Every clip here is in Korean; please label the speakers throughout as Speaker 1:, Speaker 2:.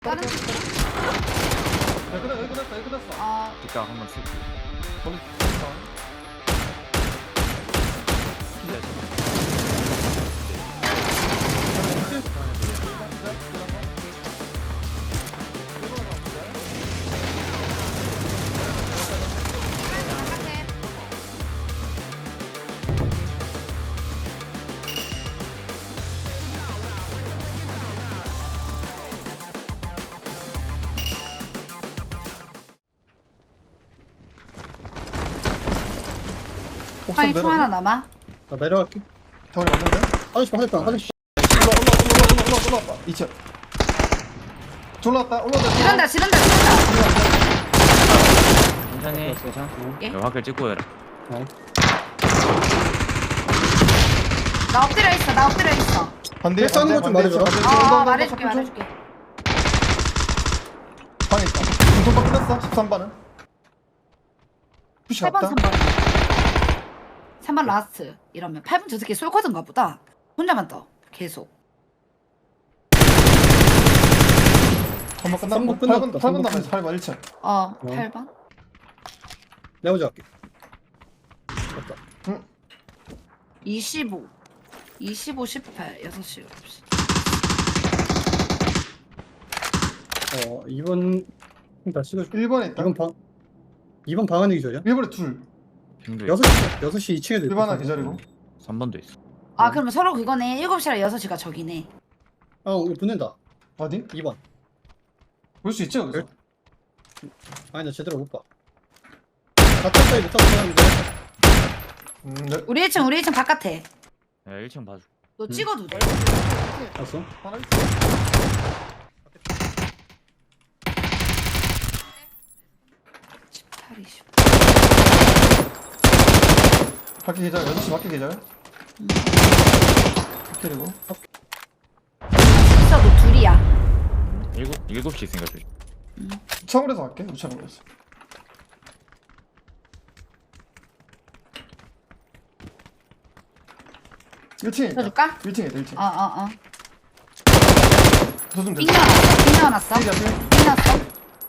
Speaker 1: 다른
Speaker 2: 여기 끝났어.
Speaker 1: 아
Speaker 3: 뒷각 한번 쓰고
Speaker 2: 거기
Speaker 1: 바깥에
Speaker 2: 옥상
Speaker 1: 아니 총 하나 남아.
Speaker 4: 나 내려갈게.
Speaker 2: 정원이 맞는데?
Speaker 4: 화장실 화장실.
Speaker 2: 올라왔다. 2층. 올라왔다.
Speaker 1: 지른다.
Speaker 3: 천천히 괜찮아?
Speaker 1: 예?
Speaker 3: 여기 화킬 찍고 해라.
Speaker 1: 나 엎드려 있어.
Speaker 2: 반대.
Speaker 4: 싸우는 거좀 말해줘라.
Speaker 1: 말해줄게.
Speaker 2: 방에 있다. 중통방 끝났어. 13반은. 푸시
Speaker 1: 8번
Speaker 2: 갔다.
Speaker 1: 3번 3번 라스트. 이러면 8번 저 새끼 쏠거든가 보다. 혼자만 떠 계속.
Speaker 2: 한번 끝났고.
Speaker 4: 삼번 끝났다.
Speaker 2: 8번 남았어. 8번 1층.
Speaker 1: 8번
Speaker 4: 내가 먼저 갈게. 맞다.
Speaker 1: 25 18 6시 7시
Speaker 4: 2번 다 찍어줄게.
Speaker 2: 1번에 있다.
Speaker 4: 2번 방 안에 기절이야?
Speaker 2: 1번에 둘.
Speaker 3: 핑도
Speaker 4: 6시 2층에도
Speaker 2: 1번 하나 기다리고.
Speaker 3: 3번도 있어.
Speaker 1: 아 그러면 서로 그거네. 7시랑 6시가 저기네.
Speaker 4: 우리 붙는다.
Speaker 2: 어디?
Speaker 4: 2번.
Speaker 2: 볼 수 있지 여기서?
Speaker 4: 아니 나 제대로 못 봐. 가까이 못 잡았는데.
Speaker 2: 네.
Speaker 1: 우리 1층 바깥에.
Speaker 3: 야 1층 봐줘.
Speaker 1: 너 찍어도 돼.
Speaker 4: 봤어?
Speaker 2: 하나 있어. 밖에 계절. 6시 밖에 계절. 그리고
Speaker 1: 있어도 둘이야.
Speaker 3: 7시 있으니까 조심.
Speaker 2: 우창으로서 갈게. 우창으로서. 일층에 있다.
Speaker 1: 들어줄까?
Speaker 2: 1층에 있다. 1층.
Speaker 1: 어어어.
Speaker 2: 도좀
Speaker 1: 삥
Speaker 2: 됐어.
Speaker 1: 넣어놨어. 삥 넣었어.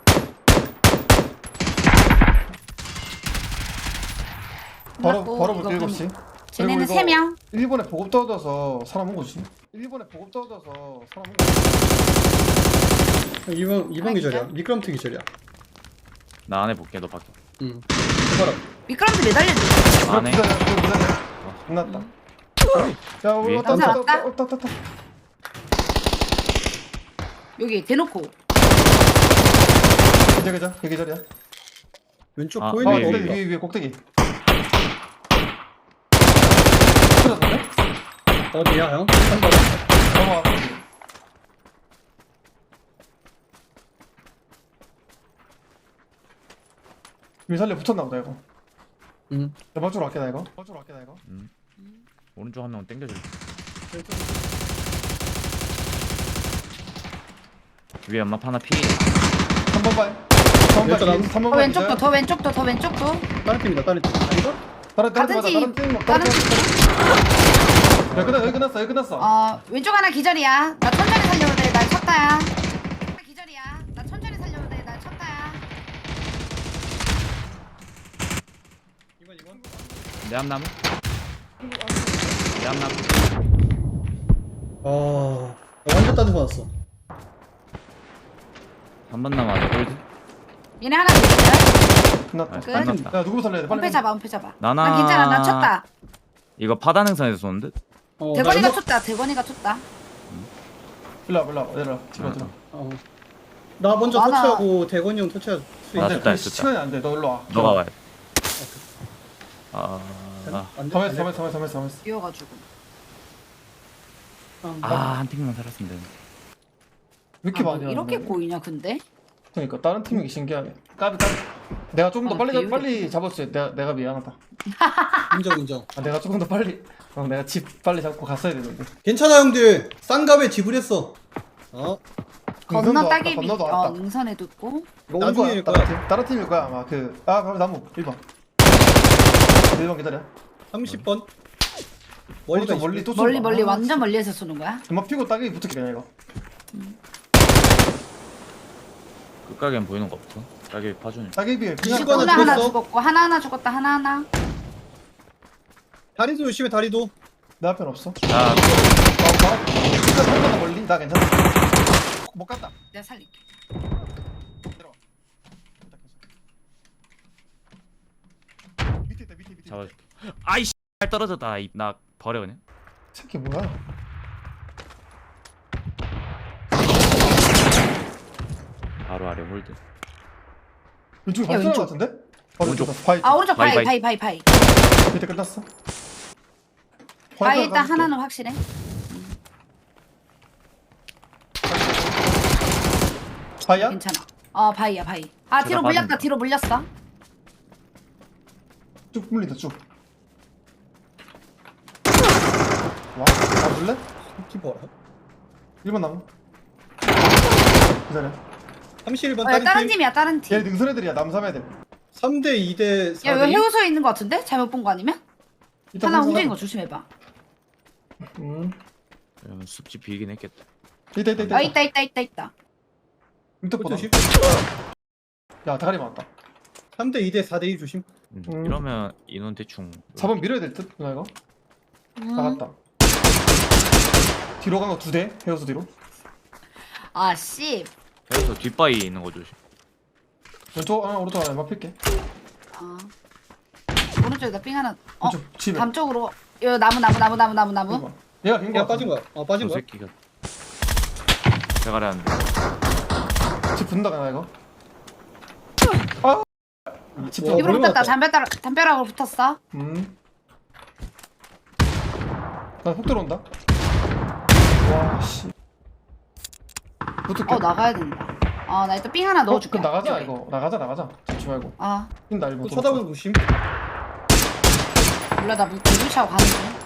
Speaker 2: 바로
Speaker 1: 끝났고,
Speaker 2: 바로
Speaker 1: 이거
Speaker 2: 볼게
Speaker 1: 그럼
Speaker 2: 7시.
Speaker 1: 쟤네는 3명.
Speaker 2: 일본에 보급 떨어져서 사람 온 거지. 일본에 보급 떨어져서 사람 온 거지.
Speaker 4: 2번 기절이야.
Speaker 1: 기절?
Speaker 4: 미끄럼틀 기절이야.
Speaker 3: 나 안에 볼게 너 밖에.
Speaker 4: 응. 해봐라.
Speaker 1: 미끄럼틀 매달려줘.
Speaker 3: 안에.
Speaker 2: 기다려. 끝났다. 야,
Speaker 3: 위에?
Speaker 2: 왔다.
Speaker 1: 남산 왔다?
Speaker 2: 왔다.
Speaker 1: 여기 대놓고.
Speaker 2: 계절. 계절이야.
Speaker 4: 왼쪽
Speaker 3: 아,
Speaker 4: 보이는
Speaker 3: 위에,
Speaker 4: 거
Speaker 3: 위에.
Speaker 4: 없다.
Speaker 2: 위에 꼭대기. 틀어졌네?
Speaker 4: 어디야 형? 3번.
Speaker 2: 넘어와. 위살려 붙었나 보다 이거.
Speaker 4: 응.
Speaker 2: 내방 쪽으로 갈게 나 이거.
Speaker 3: 오른쪽 한 명 땡겨줄. 위에 엄마 하나 피.
Speaker 2: 3번 발. 3번
Speaker 4: 왼쪽
Speaker 2: 발.
Speaker 4: 남-
Speaker 2: 3번
Speaker 1: 더 왼쪽도 더 왼쪽도.
Speaker 4: 다른 팀이다. 다른 팀. 아닌가?
Speaker 2: 다른
Speaker 1: 팀.
Speaker 2: 팀.
Speaker 1: 다른
Speaker 2: 야 여기 끝났어.
Speaker 1: 왼쪽 하나 기절이야. 나 천천히 살려도 돼. 날 쳤다야. 기절이야. 나 천천히 살려도 돼. 날 쳤다야.
Speaker 4: 2번.
Speaker 3: 내 앞나무. 내 앞나무.
Speaker 4: 나 완전 따뜻 받았어.
Speaker 3: 3번 남아. 골드.
Speaker 1: 얘네 하나 기절.
Speaker 2: 끝났다.
Speaker 1: 끝.
Speaker 3: 끝났다.
Speaker 2: 야 누구 살려야 돼? 빨리.
Speaker 1: 엄폐 잡아.
Speaker 3: 나나.
Speaker 1: 난 괜찮아. 난 쳤다.
Speaker 3: 이거 파단행선에서 쏘는데?
Speaker 1: 대건이가
Speaker 4: 나
Speaker 1: 쳤다. 대건이가 쳤다.
Speaker 2: 일로 와봐. 내려와. 들어.
Speaker 4: 나 먼저
Speaker 1: 많아.
Speaker 4: 터치하고 대건이 형 터치할 수
Speaker 3: 나
Speaker 4: 있어.
Speaker 3: 쳤다, 쳤다.
Speaker 2: 시간이 안 돼. 너 일로 와.
Speaker 3: 너가 와야 돼.
Speaker 4: 안 돼?
Speaker 2: 가만있어.
Speaker 1: 뛰어가지고.
Speaker 3: 한 팀만 살았으면 되는데.
Speaker 2: 왜 이렇게
Speaker 1: 뭐
Speaker 2: 많이
Speaker 1: 이렇게
Speaker 2: 하는데?
Speaker 1: 보이냐 근데?
Speaker 2: 그러니까 다른 팀이 신기하네. 까비. 내가 조금 더 빨리 잡았어요. 내가 미안하다.
Speaker 4: 인정.
Speaker 2: 내가 조금 더 빨리. 내가 집 빨리 잡고 갔어야 되는데.
Speaker 4: 괜찮아 형들. 싼값에 지불했어.
Speaker 1: 건너 따기비.
Speaker 2: 건너도 왔다.
Speaker 1: 능선에도 있고.
Speaker 2: 이거
Speaker 4: 나중에
Speaker 2: 온 거야.
Speaker 4: 거야.
Speaker 2: 다른 팀일 거야 아마. 바로 나무 1번. 1번 기다려.
Speaker 4: 30번.
Speaker 2: 오른쪽 멀리 또
Speaker 1: 멀리 완전 멀리에서 쏘는 거야?
Speaker 2: 엄마 피고 따기 붙을게 그냥 이거.
Speaker 3: 끝가게는 보이는 거 없어. 가게 파주네.
Speaker 2: 따개비에
Speaker 4: 이거
Speaker 1: 하나
Speaker 4: 하나
Speaker 1: 하나
Speaker 4: 죽었어?
Speaker 1: 죽었고 하나 죽었다 하나.
Speaker 4: 다리도 조심해 다리도.
Speaker 2: 내 앞엔 없어.
Speaker 3: 야,
Speaker 2: 진짜 한번더 멀리? 나 괜찮아. 못 갔다.
Speaker 1: 내가 살릴게.
Speaker 2: 들어와. 밑에 있다 밑에.
Speaker 3: 잡아줄게. 아이씨, 떨어졌다. 나 버려 그냥.
Speaker 2: 새끼 뭐야?
Speaker 3: 바로 아래 홀드.
Speaker 2: 왼쪽에
Speaker 1: 야,
Speaker 2: 발소리
Speaker 1: 왼쪽.
Speaker 2: 같은데? 바로
Speaker 3: 오른쪽.
Speaker 2: 왼쪽. 바위.
Speaker 1: 아 오른쪽
Speaker 3: 바이,
Speaker 1: 바이.
Speaker 2: 밑에 끝났어.
Speaker 1: 바이 일단
Speaker 2: 가줄게.
Speaker 1: 하나는 확실해.
Speaker 2: 바위야?
Speaker 1: 괜찮아. 바이야 바이. 아 뒤로
Speaker 3: 제가
Speaker 1: 물렸다
Speaker 3: 맞은다.
Speaker 1: 뒤로 물렸어.
Speaker 2: 쭉 물린다 쭉. 와, 가줄래?
Speaker 4: 키퍼라.
Speaker 2: 1번 나무. 기다려.
Speaker 4: 31번
Speaker 1: 야, 다른
Speaker 4: 다른 팀.
Speaker 1: 팀이야 다른 팀.
Speaker 2: 얘 능선 애들이야 남삼 애들.
Speaker 4: 3대 2대
Speaker 1: 야 이거
Speaker 4: 4대 2.
Speaker 1: 해우소에 있는 거 같은데? 잘못 본 거 아니면?
Speaker 2: 일단
Speaker 1: 하나
Speaker 2: 능선
Speaker 1: 움직인
Speaker 2: 하나.
Speaker 1: 거 조심해봐.
Speaker 3: 이러면 숲지 비긴 했겠다.
Speaker 2: 있다.
Speaker 1: 아 있다.
Speaker 2: 밑에보다.
Speaker 4: 조심.
Speaker 2: 야 다리 맞았다.
Speaker 4: 3대 2대 4대 2 조심.
Speaker 3: 이러면 인원 대충.
Speaker 2: 4번 밀어야 될 듯? 누나 이거? 나갔다. 뒤로 간 거 2대? 헤어서 뒤로?
Speaker 1: 아 씨.
Speaker 3: 그래서 뒷바위 있는 거 조심.
Speaker 2: 왼쪽 하나 오른쪽 하나 맞힐게.
Speaker 1: 아. 오른쪽에다 삥 하나.
Speaker 2: 왼쪽 집에.
Speaker 1: 감쪽으로. 요 나무.
Speaker 2: 이거. 얘가 빈
Speaker 4: 얘가
Speaker 2: 거
Speaker 4: 빠진 거야. 빠진
Speaker 3: 저
Speaker 4: 거야.
Speaker 3: 새끼가 대가리 하는데.
Speaker 2: 집 분다 가나 이거? 아! 집
Speaker 4: 와,
Speaker 1: 입으로
Speaker 4: 머리
Speaker 1: 붙었다.
Speaker 4: 맞았다.
Speaker 1: 담벼락으로 붙었어.
Speaker 2: 나폭 들어온다. 와 씨. 붙을게.
Speaker 1: 나가야 된다. 나 일단 삥 하나 넣어줄게.
Speaker 2: 그럼 나가자
Speaker 1: 이쪽에.
Speaker 2: 이거. 나가자. 잡지 말고. 뛴다
Speaker 4: 또
Speaker 2: 1번.
Speaker 4: 쳐다보는 조심.
Speaker 1: 몰라 나 물차고 가는 중.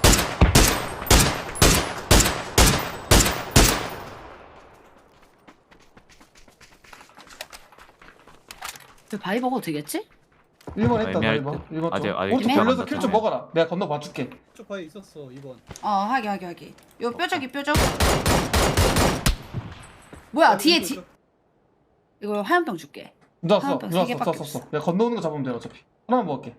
Speaker 1: 그 바위 먹어도 되겠지?
Speaker 2: 1번 했다 나
Speaker 3: 애매할
Speaker 2: 1번.
Speaker 3: 듯.
Speaker 2: 1번
Speaker 3: 아직
Speaker 2: 오른쪽
Speaker 1: 좀
Speaker 2: 돌려서
Speaker 3: 남았다,
Speaker 2: 킬 좀
Speaker 3: 좀.
Speaker 2: 먹어라. 내가 건너 봐줄게.
Speaker 4: 쪽 바에 있었어 2번.
Speaker 1: 하게. 요 뾰족이 뾰족. 뭐야 뒤에 이거 화염병 줄게.
Speaker 2: 누나
Speaker 1: 하나도
Speaker 2: 누나
Speaker 1: 세 개밖에
Speaker 2: 써. 내가 건너오는 거 잡으면 돼 어차피. 하나만 먹을게.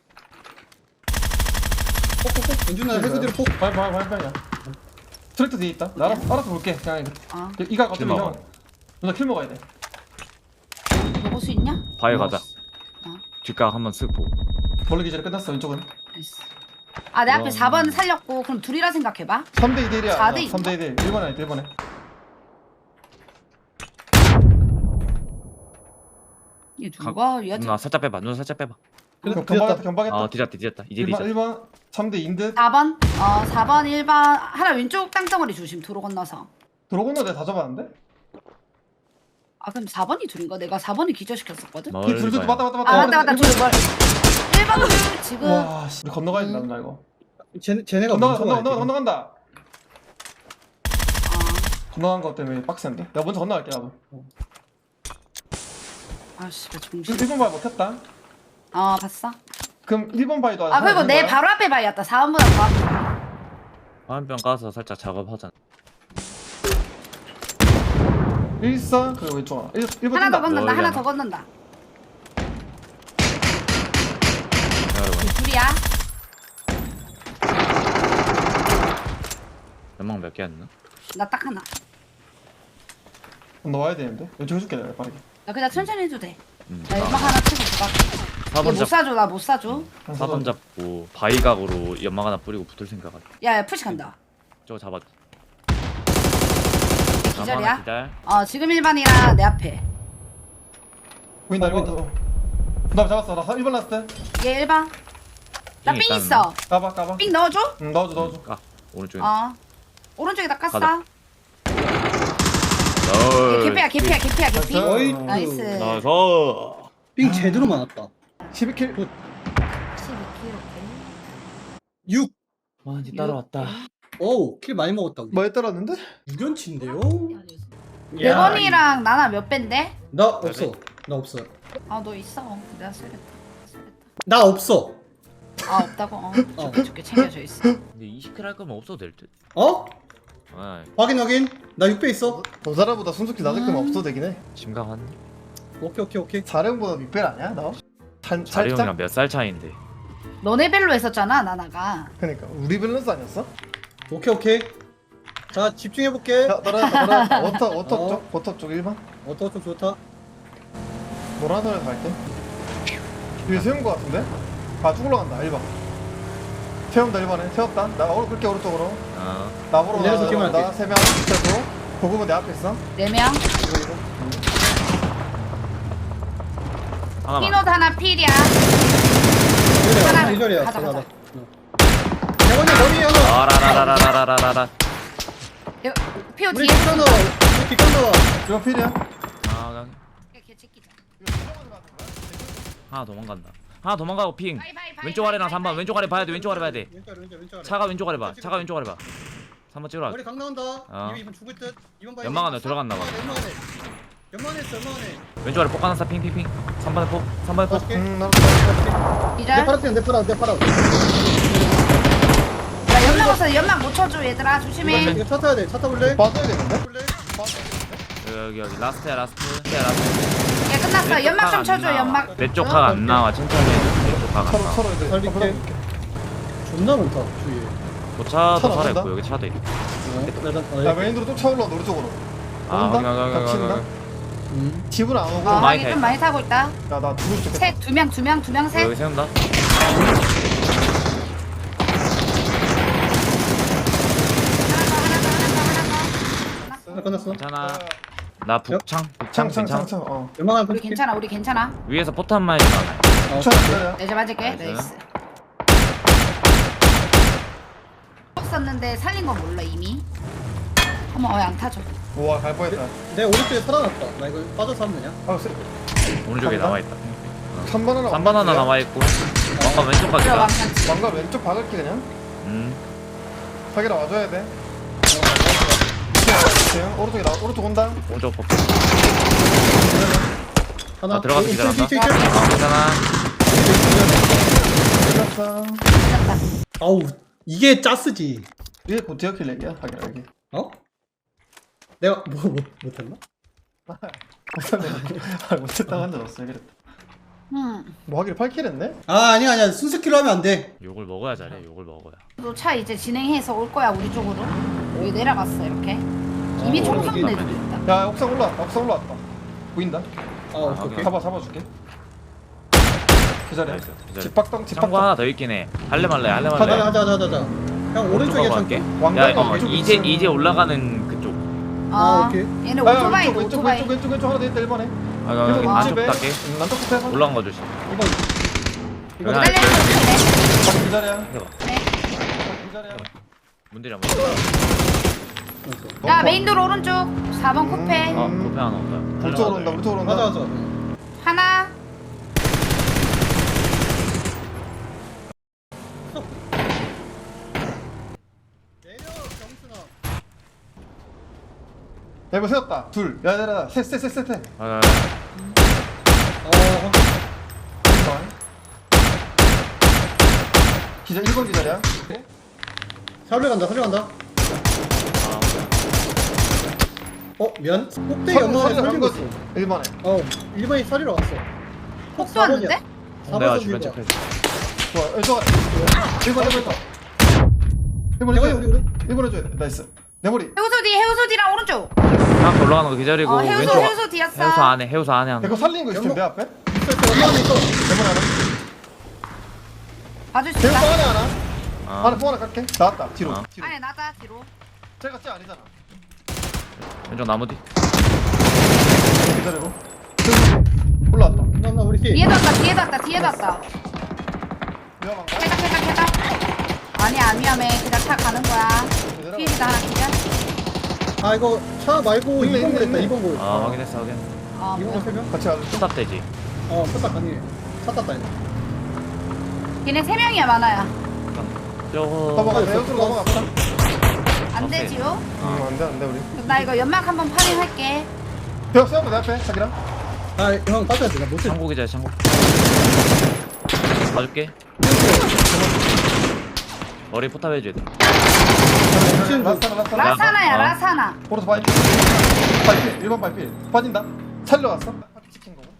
Speaker 4: 폭. 연준아 해수대로 폭.
Speaker 2: 발이야. 트랙터 뒤에 있다. 나 알아서 볼게. 그냥 이가
Speaker 3: 킬
Speaker 2: 어차피
Speaker 3: 먹어.
Speaker 2: 형. 누나 킬 먹어야 돼.
Speaker 1: 먹을 수 있냐?
Speaker 3: 바위 가자.
Speaker 1: 어.
Speaker 3: 뒷각 한번 쓱 보고.
Speaker 2: 멀리 기절이 끝났어 왼쪽은.
Speaker 1: 나이스. 내 앞에
Speaker 3: 그럼-
Speaker 1: 4번 살렸고 그럼 둘이라 생각해봐.
Speaker 2: 3대 2대 1이야.
Speaker 1: 4대 2.
Speaker 2: 3대 2대 1. 1번에 1번에.
Speaker 1: 얘 누가 얘
Speaker 3: 누나 살짝 빼봐.
Speaker 2: 경박했다.
Speaker 3: 뒤졌다. 이제
Speaker 2: 1번
Speaker 3: 뒤졌다.
Speaker 2: 1번 3대 2인 듯.
Speaker 1: 4번 4번 1번 하나 왼쪽 땅덩어리 조심 도로 건너서.
Speaker 2: 도로 건너 내가 다 잡았는데?
Speaker 1: 그럼 4번이 둘인가? 내가 4번이 기절시켰었거든?
Speaker 3: 멀리
Speaker 2: 둘
Speaker 3: 봐요.
Speaker 1: 맞다 둘 뭘. 1번 둘 지금
Speaker 2: 와 씨. 우리 건너가야 된다 누나 이거.
Speaker 4: 쟤네가 먼저 가야 돼.
Speaker 2: 건너간다.
Speaker 1: 아,
Speaker 2: 건너간 거 때문에 빡센데. 내가 먼저 건너갈게 나도.
Speaker 1: 아씨 나 정신
Speaker 2: 1번 바위 먹혔다.
Speaker 1: 봤어?
Speaker 2: 그럼 1번 바위도
Speaker 1: 그리고 내 바로 앞에 바위였다 4번보다 더 앞에.
Speaker 3: 화염병 까서 살짝 작업하자.
Speaker 2: 1사 그리고 왼쪽 하나. 1번
Speaker 1: 하나 더 건넌다
Speaker 3: 멀리
Speaker 1: 하나
Speaker 3: 하나.
Speaker 1: 더 건넌다
Speaker 3: 여러분
Speaker 1: 둘이야.
Speaker 3: 연막 몇 개 안 나?
Speaker 1: 나 딱 하나.
Speaker 2: 건너와야 되는데. 왼쪽 해줄게 내가 빠르게.
Speaker 1: 나 그냥 천천히 해도 돼.
Speaker 3: 응.
Speaker 1: 나 연막 하나 치고 들어갈게.
Speaker 3: 4번
Speaker 1: 못
Speaker 3: 잡.
Speaker 1: 사줘 나 못 사줘.
Speaker 3: 4번 잡고 바위각으로 연막 하나 뿌리고 붙을 생각 같아.
Speaker 1: 야 푸시 간다.
Speaker 3: 저거 잡았.
Speaker 1: 기절이야?
Speaker 3: 기절.
Speaker 1: 지금 1번이랑 내 앞에.
Speaker 2: 보인다 1번. 나 잡았어. 나 1번 났을 때.
Speaker 1: 얘 1번. 나
Speaker 3: 삥
Speaker 1: 삥
Speaker 3: 있다는
Speaker 1: 있어.
Speaker 2: 까봐.
Speaker 1: 삥 넣어줘?
Speaker 2: 응 넣어줘.
Speaker 3: 까. 오른쪽에.
Speaker 1: 오른쪽에다 깠어.
Speaker 3: 가자.
Speaker 1: 개피.
Speaker 2: 나이스.
Speaker 4: 어이.
Speaker 1: 나이스.
Speaker 3: 나이스.
Speaker 4: 삥 제대로 많았다.
Speaker 2: 12킬.
Speaker 1: 12kg.
Speaker 4: 6.
Speaker 3: 와, 이제 따라왔다.
Speaker 4: 어우 킬 많이 먹었다. 우리.
Speaker 2: 뭐에 따랐는데?
Speaker 4: 6연치인데요?
Speaker 1: 네 번이랑 나나 몇 밴데?
Speaker 4: 나 없어. 나 없어.
Speaker 1: 너 있어. 내가 쓰겠다.
Speaker 4: 나 없어.
Speaker 1: 없다고. 줄게 챙겨져 있어.
Speaker 3: 근데 20킬 할 거면 없어도 될 듯.
Speaker 4: 어?
Speaker 3: 아,
Speaker 4: 확인. 나 6배 있어.
Speaker 2: 더 사람보다 순속히 낮을 거면 없어도 되긴 해.
Speaker 3: 심각하네.
Speaker 4: 오케이.
Speaker 2: 자령보다 윗벨 아니야 너?
Speaker 3: 자리 형이랑 몇 살 차이인데.
Speaker 1: 너네 벨로 했었잖아 나나가.
Speaker 2: 그러니까 우리 밸런스 아니었어?
Speaker 4: 오케이. 자 집중해볼게.
Speaker 2: 야 너라 워터
Speaker 4: 어.
Speaker 2: 쪽 워터 쪽 1번
Speaker 4: 좀 좋다.
Speaker 2: 노란선에서 갈게 위에 세운 거 같은데? 쭉 올라간다 1번 세운다 1번에 세웠다 나 끌게 오른쪽으로
Speaker 3: 어.
Speaker 2: 나보러
Speaker 4: 내려서
Speaker 2: 나
Speaker 4: 기만할게.
Speaker 2: 3명 그리고 고금은 내 앞에 있어
Speaker 1: 4명.
Speaker 2: 이거
Speaker 3: 하나만.
Speaker 1: 피노드 하나 필이야. 하나.
Speaker 4: 이 자리야.
Speaker 1: 가자.
Speaker 4: 대원이 머리 하나.
Speaker 3: 아라라라라라라라.
Speaker 1: 피오
Speaker 4: 우리
Speaker 1: 뒤에.
Speaker 4: 뒷강 나와. 우리 뒷강 나와.
Speaker 2: 이거 필이야
Speaker 3: 아,
Speaker 1: 걔 찍기자.
Speaker 3: 하나 도망간다. 하나 도망가고 핑.
Speaker 1: 바이,
Speaker 3: 왼쪽 아래랑 3번. 왼쪽 아래 봐야 돼. 왼쪽 아래 봐야 돼.
Speaker 4: 왼쪽 아래.
Speaker 3: 차가 왼쪽 아래 봐. 차가 왼쪽 아래 봐. 3번 찍으러
Speaker 4: 머리
Speaker 3: 갈게.
Speaker 4: 강 나온다.
Speaker 3: 어.
Speaker 4: 이번 죽을 듯. 이번 봐.
Speaker 3: 연막 안에 들어갔나 봐.
Speaker 4: 연막 안에.
Speaker 3: 왼쪽 아래 폭 하나 쏴. 핑핑핑. 3번에 폭. 3번에 폭.
Speaker 2: 나도
Speaker 1: 기절.
Speaker 4: 내 팔았지. 내 팔아.
Speaker 1: 나 연막 없어. 연막 못 쳐줘 얘들아. 조심해.
Speaker 4: 이거 차 타야 돼. 차 타볼래?
Speaker 2: 빠져야 되는데?
Speaker 4: 볼래?
Speaker 3: 여기 라스트야 라스트. 야 라스트.
Speaker 1: 얘 끝났어. 연막 좀 쳐줘. 연막.
Speaker 3: 내쪽 각 안 나와. 천천히 해. 내쪽 각안 나와.
Speaker 2: 서로 이제
Speaker 4: 살릴게. 존나 많다 주위에.
Speaker 3: 도차도
Speaker 2: 차도
Speaker 3: 살아
Speaker 2: 안
Speaker 3: 있고 여기 차도 있고.
Speaker 2: 야 메인으로 또 차 올라온다 오른쪽으로
Speaker 3: 아
Speaker 2: 온다?
Speaker 3: 확인.
Speaker 2: 닥친다? 집은 안 오고
Speaker 1: 어,
Speaker 3: 많이
Speaker 1: 하긴
Speaker 3: 타
Speaker 1: 좀 많이 타고 있다.
Speaker 2: 야나 죽을 수 있겠다
Speaker 1: 셋, 2명, 셋.
Speaker 3: 여기 세운다.
Speaker 1: 하나 더.
Speaker 4: 끝났어.
Speaker 3: 괜찮아. 나 북창. 북창 괜찮아.
Speaker 2: 창창창창
Speaker 4: 연막 하나
Speaker 1: 우리 괜찮아.
Speaker 3: 위에서 포탄만 해주면
Speaker 2: 차 기다려
Speaker 1: 내가 맞을게.
Speaker 3: 나이스.
Speaker 1: 나이스. 썼는데 살린 건 몰라 이미. 어머, 안 타죠.
Speaker 2: 우와 갈 뻔했다
Speaker 4: 내 오른쪽에 살아났다. 나 이거 빠져서 하면 되냐?
Speaker 3: 오른쪽에
Speaker 2: 간다?
Speaker 3: 나와 있다.
Speaker 2: 3번 하나
Speaker 3: 3번 하나 남아 있고. 아까 왼쪽
Speaker 1: 들어와.
Speaker 3: 각이다.
Speaker 2: 왕가 왼쪽 박을게 그냥 사기라 와줘야 돼 오른쪽에 나 오른쪽 온다
Speaker 3: 오른쪽 폭.
Speaker 4: 하나.
Speaker 3: 아, 들어가서 기다렸나?
Speaker 4: 이쪽.
Speaker 3: 괜찮아.
Speaker 2: 끝났어
Speaker 4: 아우 이게 짜스지.
Speaker 2: 이게 곧 디어킬 렉이야 사기라 여기
Speaker 4: 어? 내가 못했나?
Speaker 2: 못했다고 한 적 없어 그랬다
Speaker 1: 응.
Speaker 2: 뭐 하기를 8킬 했네?
Speaker 4: 아니야 순스킬로 하면 안 돼.
Speaker 3: 욕을 먹어야 잘해. 욕을 먹어야.
Speaker 1: 너 차 이제 진행해서 올 거야 우리 쪽으로. 여기 내려갔어 이렇게. 이미 총 쏘는
Speaker 3: 오른쪽에
Speaker 1: 애들도 있다.
Speaker 2: 야 옥상 올라왔다 보인다
Speaker 4: 아 오케이.
Speaker 2: 잡아줄게 기다려
Speaker 3: 나이스, 기다려.
Speaker 2: 집박동
Speaker 3: 창고 하나 더 있긴 해. 할래 말래. 할래 말래.
Speaker 4: 하자. 형 오른쪽에
Speaker 3: 쪽
Speaker 4: 참게.
Speaker 3: 갈게.
Speaker 2: 왕관
Speaker 3: 야,
Speaker 2: 왼쪽
Speaker 3: 이제 올라가는 그쪽.
Speaker 4: 오케이.
Speaker 1: 얘네
Speaker 2: 아,
Speaker 1: 오토바이
Speaker 2: 왼쪽
Speaker 1: 오토바이.
Speaker 2: 왼쪽 하나 더 있다 1번에
Speaker 3: 여기 안쪽 갈게.
Speaker 2: 남쪽 끝에
Speaker 3: 올라간 거 조심.
Speaker 4: 이거
Speaker 3: 야,
Speaker 1: 기다려.
Speaker 2: 바로 기다려
Speaker 3: 해봐.
Speaker 2: 기다려
Speaker 3: 문들이 안
Speaker 1: 야 메인도로 오른쪽 4번 코페.
Speaker 3: 아, 코페 하나 온다.
Speaker 2: 우리 쪽으로 온다 우리 쪽으로 온다
Speaker 4: 맞아.
Speaker 1: 하나.
Speaker 4: 내려 경순아.
Speaker 2: 야 이거 세웠다 둘 야야야 셋
Speaker 3: 아,
Speaker 2: 기자 1번 기다려
Speaker 4: 살려 간다. 미안. 꼭대기 연막에 살리고 있어.
Speaker 2: 1번에
Speaker 4: 1번이 살리러 왔어.
Speaker 1: 폭도 왔는데?
Speaker 3: 내가 주변 체크해.
Speaker 2: 좋아 왼쪽 1번 있다 1번
Speaker 4: 대원이
Speaker 2: 해줘야 돼
Speaker 4: 우리
Speaker 2: 1번 해줘야 돼 나이스 내 머리
Speaker 1: 해우소 뒤랑 오른쪽.
Speaker 3: 하나 올라가는 거 기다리고
Speaker 1: 해우소
Speaker 3: 왼쪽.
Speaker 1: 해우소 뒤였어.
Speaker 3: 해우소 안에 하나.
Speaker 2: 이거 살린 거 있으면 내 앞에
Speaker 4: 연막에 있어.
Speaker 2: 1번 하나
Speaker 1: 봐줄 수
Speaker 2: 대우
Speaker 1: 있다.
Speaker 2: 방 안에 하나
Speaker 3: 아.
Speaker 2: 안에 뽕 하나 깎게 나왔다 뒤로
Speaker 3: 어.
Speaker 2: 뒤로
Speaker 1: 아니 나다 뒤로.
Speaker 2: 제가 쟤 아니잖아
Speaker 3: 왼쪽 나무 뒤.
Speaker 2: 기다리고 올라왔다
Speaker 4: 나 우리 팀.
Speaker 1: 뒤에도 왔다.
Speaker 2: 위험한 거
Speaker 1: 캐다. 아니야 안 위험해. 그냥 차 가는 거야. 피해다 하나 기절.
Speaker 4: 아 이거 차 말고
Speaker 2: 있네,
Speaker 4: 2번 골
Speaker 2: 있네.
Speaker 4: 했다. 2번 골.
Speaker 3: 아, 확인했어.
Speaker 4: 2번 골 3명?
Speaker 2: 같이 가자
Speaker 3: 스탑 되지.
Speaker 4: 포탑 가능해. 차 탔다 이거.
Speaker 1: 걔네 3명이야 많아야.
Speaker 3: 저거.
Speaker 2: 넘어가 내역으로 넘어갑시다
Speaker 1: 안
Speaker 3: 오케이.
Speaker 1: 되지요?
Speaker 2: 안돼 우리
Speaker 1: 그럼 나 이거 연막 한번 파밍할게.
Speaker 2: 벽 세워봐 내 앞에 자기랑
Speaker 4: 형 빠져야 돼. 나 못해.
Speaker 3: 창고 기자 창고. 봐줄게. 머리 포탑 해줘야 돼.
Speaker 2: 라스타나
Speaker 1: 라사나야
Speaker 3: 어.
Speaker 1: 라사나.
Speaker 2: 오른쪽 발필 1번 발필 빠진다 살려왔어? 파티 찍힌 거고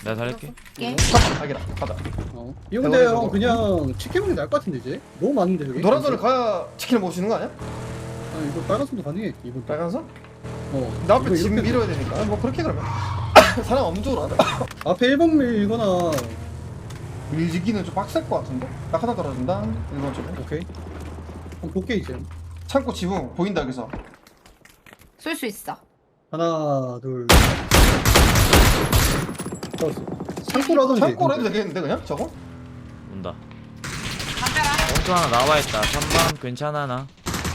Speaker 3: 내가 살릴게.
Speaker 1: 게
Speaker 2: 자기라 가자.
Speaker 4: 이거 근데 형 그냥 치킨 먹는 게 나을 것 같은데 이제? 너무 많은데 여기?
Speaker 2: 노란선을 가야 치킨을 먹을 수 있는 거 아니야?
Speaker 4: 아 이거 빨간선도 가능해 이분
Speaker 2: 빨간선?
Speaker 4: 나
Speaker 2: 나 앞에 짐 밀어야 되니까. 뭐 그렇게 그러면. 사람 없는 쪽으로 하자.
Speaker 4: 앞에 1번 밀거나
Speaker 2: 밀지기는 좀 빡셀 것 같은데? 딱 하나 떨어진다. 1번 쪽에.
Speaker 4: 오케이 그럼 볼게 이제
Speaker 2: 창고 지붕 보인다 여기서.
Speaker 1: 쏠 수 있어.
Speaker 4: 하나 둘 잡았어 창고로 하던지
Speaker 2: 창고로 해도 되겠는데 그냥 저거?
Speaker 3: 온다.
Speaker 1: 담벼라.
Speaker 3: 엉뚱 하나 나와있다. 3번 괜찮아 나.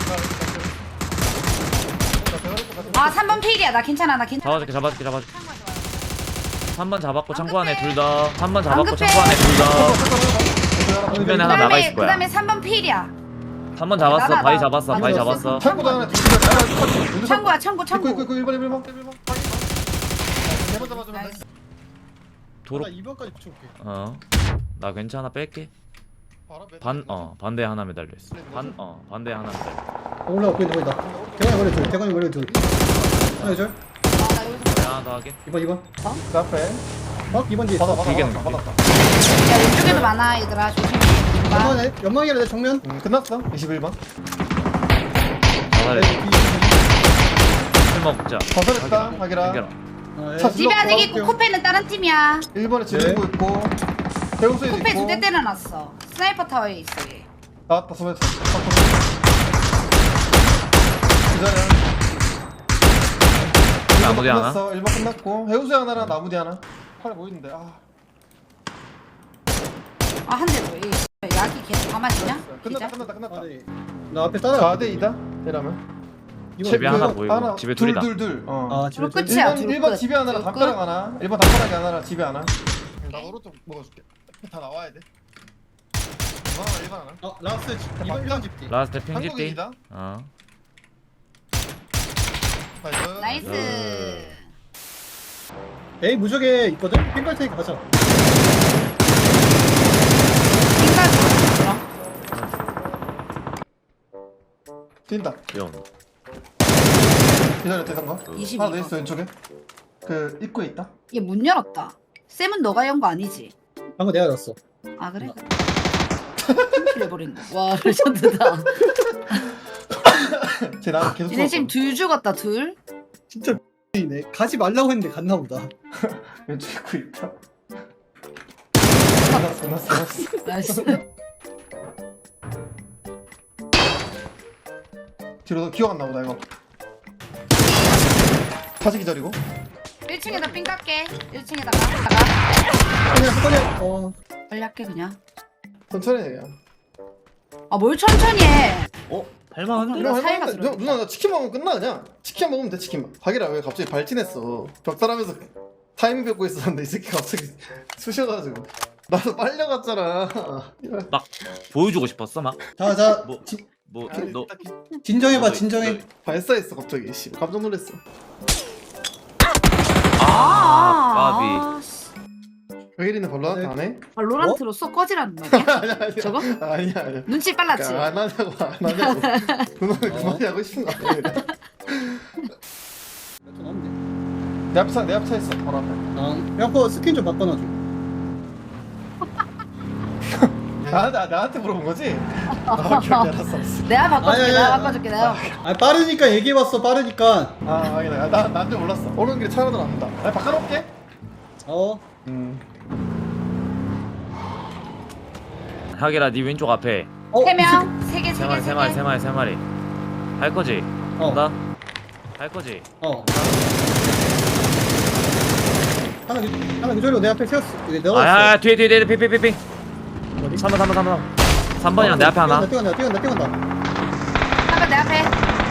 Speaker 1: 아 3번 필이야. 나 괜찮아. 나 괜찮아.
Speaker 3: 잡아줄게.
Speaker 1: 창고에 들어와.
Speaker 3: 3번 잡았고
Speaker 1: 안
Speaker 3: 창고 안에
Speaker 1: 급해.
Speaker 3: 둘 다. 3번 잡았고
Speaker 1: 급해.
Speaker 3: 창고 안에 둘 다. 주변에 하나 나가 있을 거야.
Speaker 1: 그다음에 3번 필이야.
Speaker 3: 3번 잡았어.
Speaker 1: 나가,
Speaker 3: 바위
Speaker 1: 나.
Speaker 3: 잡았어.
Speaker 1: 아니,
Speaker 3: 바위
Speaker 1: 없어.
Speaker 3: 잡았어.
Speaker 2: 창고 안에
Speaker 1: 창고야 창고 창고.
Speaker 2: 있고 1번 1번 잡아주면 돼.
Speaker 1: 나이스.
Speaker 3: 도로.
Speaker 4: 나 2번까지 붙여볼게
Speaker 3: 나 괜찮아 뺄게. 반대 하나 매달려 있어. 반대 하나 매달려.
Speaker 4: 올라가 보인다 대관이 머리 둘 하나 둘
Speaker 1: 나 여기서
Speaker 3: 하나 더 하게.
Speaker 4: 2번
Speaker 2: 그 앞에
Speaker 4: 2번 뒤에
Speaker 2: 받아
Speaker 4: 있어
Speaker 3: 되겠네.
Speaker 2: 받았다.
Speaker 1: 야 왼쪽에도 많아 얘들아. 조심해.
Speaker 4: 연막이라 내 정면
Speaker 2: 끝났어 21번.
Speaker 3: 자살해. 술 먹자.
Speaker 2: 자살했다 하기라.
Speaker 3: 챙겨라.
Speaker 2: 차
Speaker 1: 집에 아직 있고
Speaker 2: 들어갈게요.
Speaker 1: 코페는 다른 팀이야.
Speaker 2: 1번에 지르고 있고 대우소에도
Speaker 1: 코페
Speaker 2: 있고
Speaker 1: 2대 때려놨어. 스나이퍼 타워에 있어 얘.
Speaker 2: 나왔다 소매차 기다려.
Speaker 3: 나무디 하나.
Speaker 2: 끝났어 1번 끝났고 해우소에 하나랑 나무디 하나. 팔 보이는데
Speaker 1: 아 한 대 더. 이 약이 계속 가만히냐?
Speaker 2: 끝났다.
Speaker 4: 나 앞에 따라
Speaker 2: 4대 2다 이러면
Speaker 3: 집에 하나 보이고 집에 둘이다.
Speaker 2: 둘
Speaker 4: 아 집에
Speaker 1: 둘 끝이야.
Speaker 2: 1번 집에 하나랑
Speaker 1: 둘
Speaker 2: 담벼락 하나 1번 담벼락에 하나랑 집에 하나. 나 오른쪽 먹어줄게. 다 나와야 돼. 1번 하나
Speaker 4: 라스트 2번 집디
Speaker 3: 라스트 핑집디.
Speaker 2: 한국인이다.
Speaker 1: 나이스.
Speaker 4: 에이 무적에 있거든? 핑갈 테니까 가자
Speaker 2: 뛴다.
Speaker 3: 영.
Speaker 2: 기다려 대상가.
Speaker 1: 22
Speaker 2: 하나 더 있어 왼쪽에. 그 입구에 있다.
Speaker 1: 얘 문 열었다. 쌤은 너가 연 거 아니지?
Speaker 4: 방금 내가 열었어
Speaker 1: 아 그래? 팀킬해버린 거. 와 레전드다.
Speaker 2: 쟤 나를 계속
Speaker 1: 얘네 지금
Speaker 2: 쏘았거든.
Speaker 1: 둘 죽었다 둘.
Speaker 4: 진짜 이네 가지 말라고 했는데 갔나 보다
Speaker 2: 왼쪽 입구에 있다. 끝났어.
Speaker 1: 나이스.
Speaker 2: 뒤로 너 기억 안 나보다 이거. 다시 기다리고.
Speaker 1: 1층에다 삥 깎게. 1층에다가
Speaker 4: 그냥 한번에
Speaker 1: 빨리 할게 그냥.
Speaker 2: 천천히 해 그냥.
Speaker 1: 아 뭘 천천히 해.
Speaker 3: 할만한데?
Speaker 1: 누나
Speaker 2: 이거
Speaker 1: 사이가
Speaker 2: 할만한데?
Speaker 1: 들어있네.
Speaker 2: 누나 나 치킨 먹으면 끝나 그냥. 치킨 먹으면 돼 치킨만. 자기라 왜 갑자기 발진했어. 벽살하면서 타이밍 뺏고 있었는데 이 새끼 갑자기 쑤셔가지고. 나도 빨려갔잖아.
Speaker 3: 막 보여주고 싶었어 막.
Speaker 4: 자자
Speaker 3: 너
Speaker 4: 진정해봐 진정해
Speaker 2: 발사했어 갑자기. 씨 깜짝 놀랐어.
Speaker 3: 까비.
Speaker 1: 씨.
Speaker 2: 회일이는 별로한테 안 해?
Speaker 1: 발로란트로 쏙 꺼지라는 말이야?
Speaker 2: 아니야.
Speaker 1: 저거?
Speaker 2: 아니야.
Speaker 1: 눈치 빨랐지?
Speaker 2: 안 하냐고. 누나는 그만이 하고 싶은 거 아니야? 내 앞차 있어 바로 앞에.
Speaker 4: 야거 스킨 좀 바꿔놔줘
Speaker 2: 나한테 물어본 거지? 오케이 알았어.
Speaker 1: 내가 바꿔줄게.
Speaker 4: 아니,
Speaker 1: 내가
Speaker 4: 아니,
Speaker 1: 바꿔줄게. 내가.
Speaker 4: 아 빠르니까 얘기해봤어 빠르니까
Speaker 2: 아니야 난줄 몰랐어. 오는 길에 차로 나온다. 나 바꿔놓을게.
Speaker 3: 하기라 네 왼쪽 앞에
Speaker 1: 3명, 3개, 3개,
Speaker 3: 3마리 할 거지? 간다? 할 거지?
Speaker 4: 하나 그저리고 내 앞에 세웠어 내가
Speaker 3: 아야 뒤에 핑 3번이랑 내 앞에 하나.
Speaker 4: 뛰어간다
Speaker 1: 한번 내 앞에.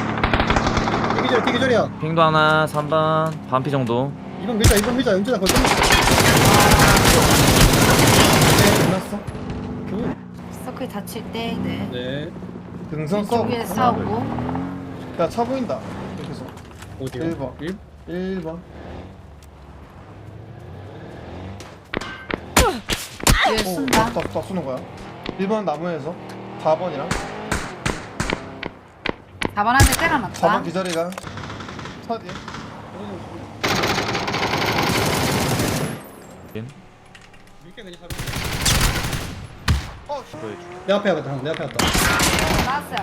Speaker 4: 되기절이야
Speaker 3: 핑도 하나 3번 반피 정도.
Speaker 4: 2번 밀자 연준아 거기
Speaker 2: 끝났어.
Speaker 1: 서클 다칠 때, 네.
Speaker 4: 네
Speaker 2: 등선 써.
Speaker 1: 왼쪽에 싸우고.
Speaker 2: 야차 보인다. 여기서
Speaker 4: 어디요?
Speaker 2: 1번. 1번.
Speaker 1: 뒤에 쏜다.
Speaker 2: 다 쏘는 거야. 1번 나무에서 4번이랑
Speaker 1: 4번 한 대 때려놨다.
Speaker 2: 4번 기다리가 차 뒤에.
Speaker 3: 확인.
Speaker 4: 밀게 그냥 가면.
Speaker 3: 보여줘.
Speaker 4: 내 앞에 왔다. 내 앞에 왔다.
Speaker 1: 나왔어요.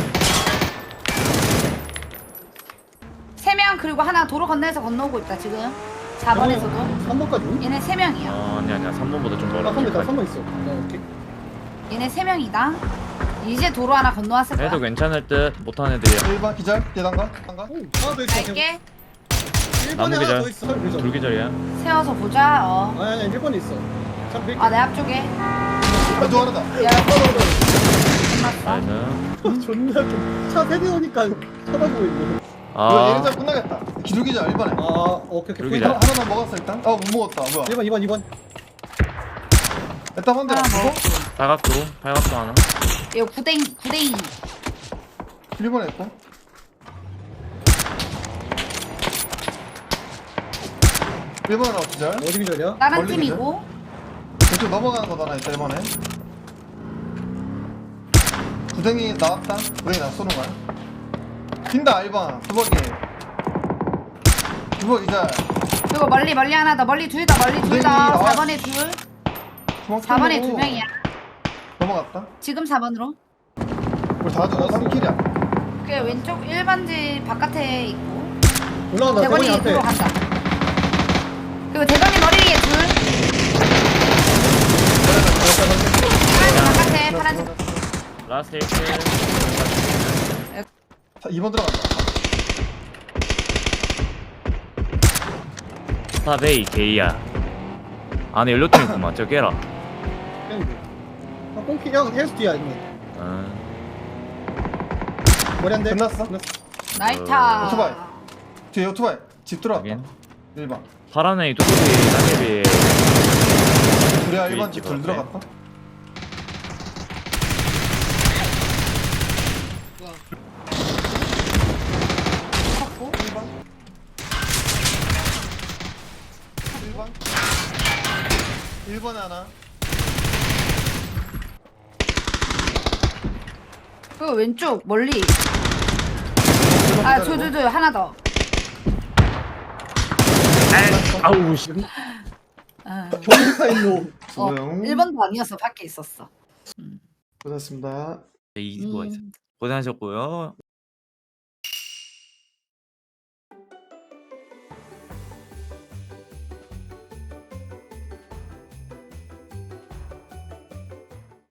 Speaker 1: 3명 그리고 하나 도로 건너에서 건너오고 있다 지금. 4번에서도.
Speaker 4: 3번까지?
Speaker 1: 얘네 3명이야.
Speaker 3: 아니야 3번보다 좀 멀어.
Speaker 4: 아 3번 있다. 3번 있어. 오케이.
Speaker 1: 얘네 3명이다. 이제 도로 하나 건너왔을 거야.
Speaker 3: 해도 괜찮을 듯 못하는 애들이야.
Speaker 2: 1번 기절 계단가 단가
Speaker 4: 오, 하나 더 있어.
Speaker 1: 갈게.
Speaker 4: 1번에
Speaker 3: 나무
Speaker 4: 하나
Speaker 3: 계절.
Speaker 4: 더 있어. 그죠?
Speaker 3: 둘기절이야.
Speaker 1: 세워서 보자.
Speaker 4: 아니 1번에 있어. 참 밀게.
Speaker 1: 아 내 앞쪽에.
Speaker 2: 또 하나다
Speaker 1: 야 끝났어.
Speaker 3: 나이스.
Speaker 4: 존나 차 세대 오니까 쳐다보고 있네.
Speaker 2: 이거 얘네
Speaker 3: 아
Speaker 2: 잘 끝나겠다 기둘기절 1번에
Speaker 4: 아 오케이.
Speaker 3: 여기
Speaker 2: 일단
Speaker 3: 잘.
Speaker 2: 하나만 먹었어 일단 못 먹었다 뭐야
Speaker 4: 2번.
Speaker 2: 일단 한대
Speaker 1: 하나
Speaker 2: 맞고
Speaker 1: 먹었고.
Speaker 3: 팔각도 하나.
Speaker 1: 이거 구댕이.
Speaker 2: 1번에 있고 1번 하나 기절
Speaker 4: 어디 기절이야?
Speaker 1: 다른
Speaker 2: 멀리
Speaker 1: 팀이고.
Speaker 2: 왼쪽 넘어가는 거다 하나 있다 1번에 구덩이 나왔다 구덩이 나 쏘는 거야 빈다 1번 두벅이 기절
Speaker 1: 그리고 멀리 하나 더. 멀리 둘 다. 멀리 둘 다.
Speaker 2: 구댕이
Speaker 1: 4번에 둘.
Speaker 2: 주먹
Speaker 1: 4번에
Speaker 2: 쏘고
Speaker 1: 2명이야.
Speaker 2: 넘어갔다
Speaker 1: 지금 4번으로.
Speaker 2: 우리 다 죽어 3킬이야
Speaker 1: 그 왼쪽 1번지 바깥에 있고.
Speaker 4: 올라간다. 대본이
Speaker 1: 대건이
Speaker 4: 앞에.
Speaker 1: 들어간다. 그리고 대건이 머리 위에 둘. 파란색 바깥에 파란색.
Speaker 3: 라스트 1킬.
Speaker 2: 자 2번 들어간다
Speaker 3: 스타베이 게이야. 안에 연료통 있구만. 저 깨라.
Speaker 4: 땡기. 아 꽁키 형 헬스 뒤야 있네. 머리 한 대.
Speaker 2: 끝났어?
Speaker 1: 나이타.
Speaker 2: 오토바이. 뒤에 오토바이 집 들어왔다
Speaker 3: 확인.
Speaker 2: 1번
Speaker 3: 파란 애 뚜껑이 따개비.
Speaker 2: 우리가
Speaker 3: 뒤에
Speaker 2: 1번
Speaker 3: 있지,
Speaker 2: 집불
Speaker 3: 그러네.
Speaker 2: 들어갔다
Speaker 1: 쳤고.
Speaker 2: 1번 1번에 하나
Speaker 1: 그리고 왼쪽 멀리.
Speaker 2: 1번
Speaker 1: 아,
Speaker 2: 기다리고.
Speaker 1: 둘 하나 더.
Speaker 3: 아우 씨.
Speaker 4: 경사인 놈.
Speaker 2: 조용.
Speaker 1: 1번도 아니었어. 밖에 있었어.
Speaker 2: 고생했습니다
Speaker 3: 이거 고생하셨고요.